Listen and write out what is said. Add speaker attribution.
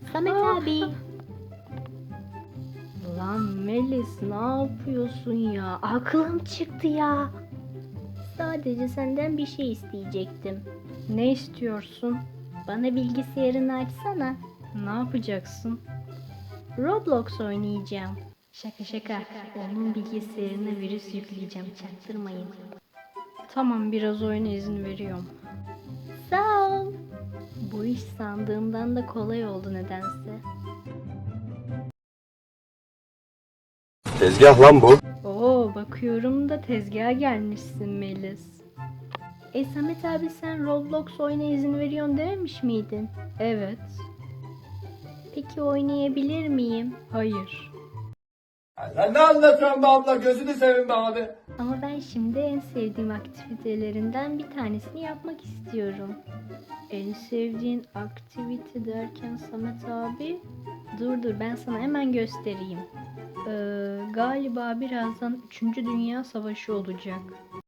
Speaker 1: Samet abi.
Speaker 2: Lan Melis, ne yapıyorsun ya? Aklım çıktı ya.
Speaker 1: Sadece senden bir şey isteyecektim.
Speaker 2: Ne istiyorsun?
Speaker 1: Bana bilgisayarını açsana.
Speaker 2: Ne yapacaksın?
Speaker 1: Roblox oynayacağım.
Speaker 2: Şaka şaka. Onun bilgisayarına virüs yükleyeceğim. Çaktırmayın. Tamam, biraz oyuna izin veriyorum.
Speaker 1: Sağ ol.
Speaker 2: Bu iş sandığımdan da kolay oldu nedense.
Speaker 3: Tezgah lan bu.
Speaker 2: Oo, bakıyorum da tezgaha gelmişsin Melis.
Speaker 1: Samet abi sen Roblox oyuna izin veriyorsun dememiş miydin?
Speaker 2: Evet.
Speaker 1: Peki oynayabilir miyim?
Speaker 2: Hayır.
Speaker 3: Sen ne anlatıyorsun be abla, gözünü seveyim be abi.
Speaker 1: Ama ben şimdi en sevdiğim aktivitelerinden bir tanesini yapmak istiyorum.
Speaker 2: En sevdiğin aktivite derken Samet abi? Dur ben sana hemen göstereyim. Galiba birazdan 3. Dünya Savaşı olacak.